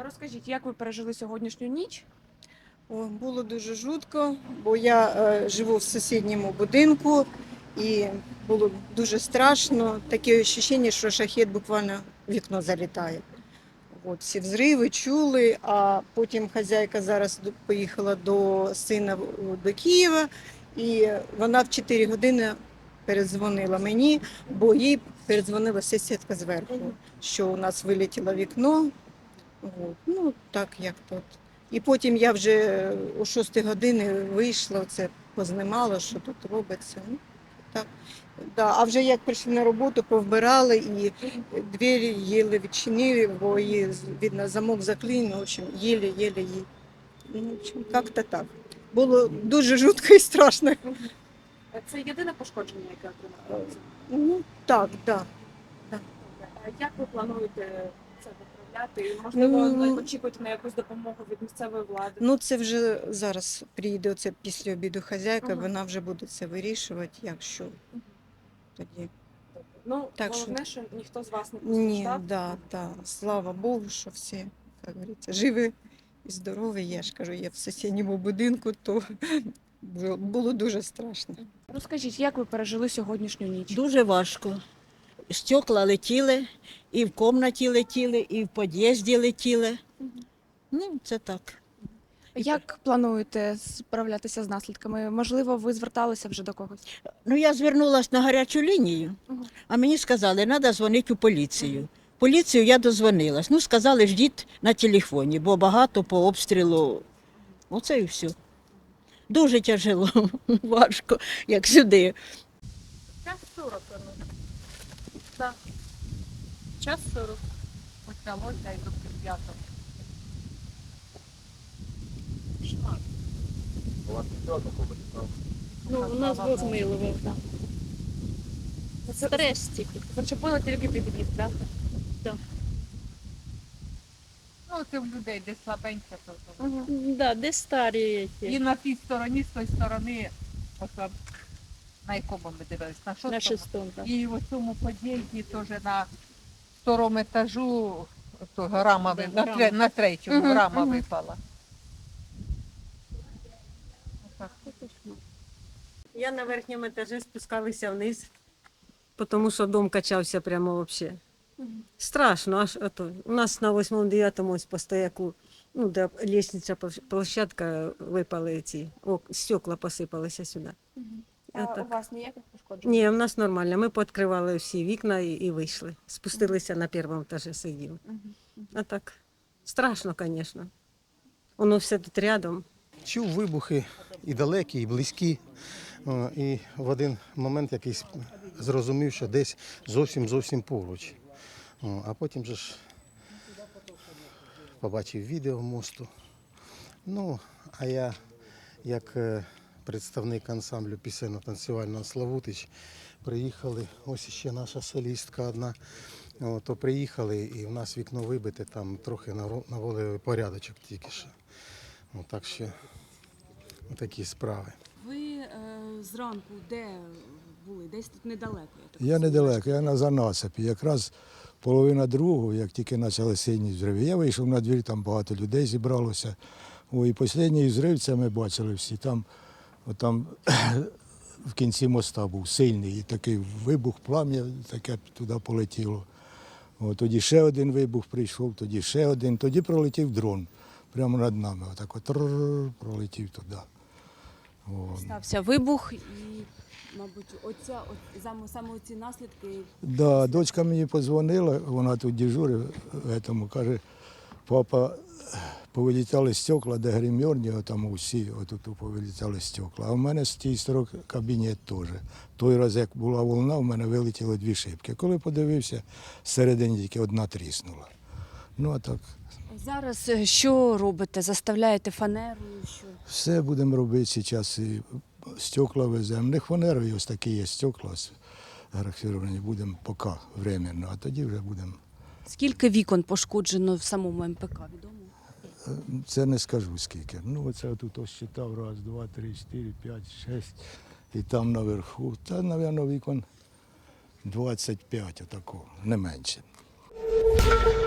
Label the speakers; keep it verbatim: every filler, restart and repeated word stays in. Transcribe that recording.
Speaker 1: Розкажіть, як ви пережили сьогоднішню ніч?
Speaker 2: О, було дуже жутко, бо я е, живу в сусідньому будинку і було дуже страшно. Таке відчуття, що шахет буквально в вікно залітає. От, всі взриви чули, а потім хазяйка зараз до- поїхала до сина в- до Києва, і вона в чотири години передзвонила мені, бо їй передзвонила сусідка зверху, що у нас вилетіло вікно. От, ну, так як тут. І потім я вже о шостій годині вийшла, це познімала, що тут робиться. Ну, так. Да. А вже як прийшли на роботу, повбирали і двері єле відчинили, бо її, видно, замок заклинив, в общем, єле-єле її. Ну, в общем, як-то так. Було дуже жутко і страшно.
Speaker 1: Це єдине пошкодження, яке отримали?
Speaker 2: Ну, так, так. Да.
Speaker 1: Як ви плануєте це виправляти? Можливо,
Speaker 2: Ну,
Speaker 1: очікуєте на якусь допомогу від місцевої влади?
Speaker 2: Ну, це вже зараз приїде оце після обіду хазяйка,
Speaker 1: Ага.
Speaker 2: вона вже буде це вирішувати, якщо тоді.
Speaker 1: Ну,
Speaker 2: Так
Speaker 1: головне, що ніхто з вас не
Speaker 2: Ні,
Speaker 1: постраждав.
Speaker 2: да, да. Слава Богу, що всі, як говориться, живі і здорові. Я ж кажу, я в сусідньому будинку, то було- було дуже страшно.
Speaker 1: Розкажіть, як ви пережили сьогоднішню ніч?
Speaker 3: Дуже важко. Стекла летіли, і в кімнаті летіли, і в під'їзді летіли. Ну, це так.
Speaker 1: Як плануєте справлятися з наслідками? Можливо, ви зверталися вже до когось?
Speaker 3: Ну, я звернулася на гарячу лінію,
Speaker 1: Мгм.
Speaker 3: а мені сказали, треба дзвонити у поліцію. Поліцію я дозвонилась. Ну, сказали, ждіть на телефоні, бо багато по обстрілу. Оце і все. Дуже тяжело, важко, як сюди.
Speaker 1: Час сорок. Так. Час сорок.
Speaker 4: Почалося і до п'ятого.
Speaker 5: Ну, у нас Бог милував, так.
Speaker 1: Це
Speaker 5: Стрес тільки.
Speaker 1: зачепило тільки під'їзд, так?
Speaker 4: Ну, це в людей, де слабеньке, то. то.
Speaker 5: Да, де старі
Speaker 4: І
Speaker 5: ті,
Speaker 4: на тій стороні, з тої сторони, оце, на якому ми дивились, на шостому.
Speaker 5: на шестому. Так.
Speaker 4: І в цьому під'їзді теж на второму етажу то рама,
Speaker 5: Да,
Speaker 4: ви- на,
Speaker 5: рама.
Speaker 4: тре- на третьому
Speaker 1: Мгм,
Speaker 4: рама
Speaker 1: мгм.
Speaker 4: випала. Отак.
Speaker 6: Я на верхньому етажі спускалися вниз, тому що дом качався прямо взагалі. Страшно, аж ото. У нас на восьмому-дев'ятому ось по стояку, ну, де лестниця, площадка, випали ці, о, стекла посипалися сюди.
Speaker 1: А
Speaker 6: Я так.
Speaker 1: у вас ніяких пошкоджень?
Speaker 6: Ні, в нас нормально. Ми пооткривали всі вікна і, і вийшли. Спустилися на першому етажі, сиділи. А так, страшно, звісно. Воно все тут рядом.
Speaker 7: Чув вибухи і далекі, і близькі. О, І в один момент якийсь зрозумів, що десь зовсім зовсім поруч. О, А потім же ж побачив відео мосту. Ну, а я, як е, представник ансамблю пісенно-танцювального Славутич, приїхали, ось ще наша солістка одна. О, то приїхали, і в нас вікно вибите, там трохи наро- наводили порядочок тільки що. О, Так що такі справи.
Speaker 8: Ви е, зранку де були? Десь тут недалеко. Я, так
Speaker 9: Я
Speaker 8: розумію.
Speaker 9: недалеко, я на занасипі. Якраз половина другого, як тільки почали сильні взриви. Я вийшов на двір, там багато людей зібралося. О, і останній взрив, це ми бачили всі. Там, там в кінці моста був сильний, і такий вибух, плам'я таке туди полетіло. О, тоді ще один вибух прийшов, тоді ще один, тоді пролетів дрон прямо над нами. Отак от трррр, пролетів туди. О.
Speaker 8: Стався вибух і, мабуть, оця, от, саме, саме ці наслідки.
Speaker 9: Да, дочка мені подзвонила, вона тут дежурить, этому, каже, папа, повилітали стекла, де гримерні, там усі, отут повилітали стекла. А в мене з тієї сторони кабінет теж. Той раз, як була волна, в мене вилетіло дві шибки. Коли подивився, всередині тільки одна тріснула. Ну, а так,
Speaker 8: Зараз е, що робите? Заставляєте фанерою? Що?
Speaker 9: все будемо робити зараз. І стекла веземо. Не фанерою, ось такі є стекла, графіровані, будемо поки временно, а тоді вже будемо.
Speaker 8: Скільки вікон пошкоджено в самому ем пе ка, відомо?
Speaker 9: Це не скажу скільки. Ну, оце тут ось считав, раз, два, три, чотири, п'ять, шість. І там наверху. Та, мабуть, вікон двадцять п'ять отако, не менше.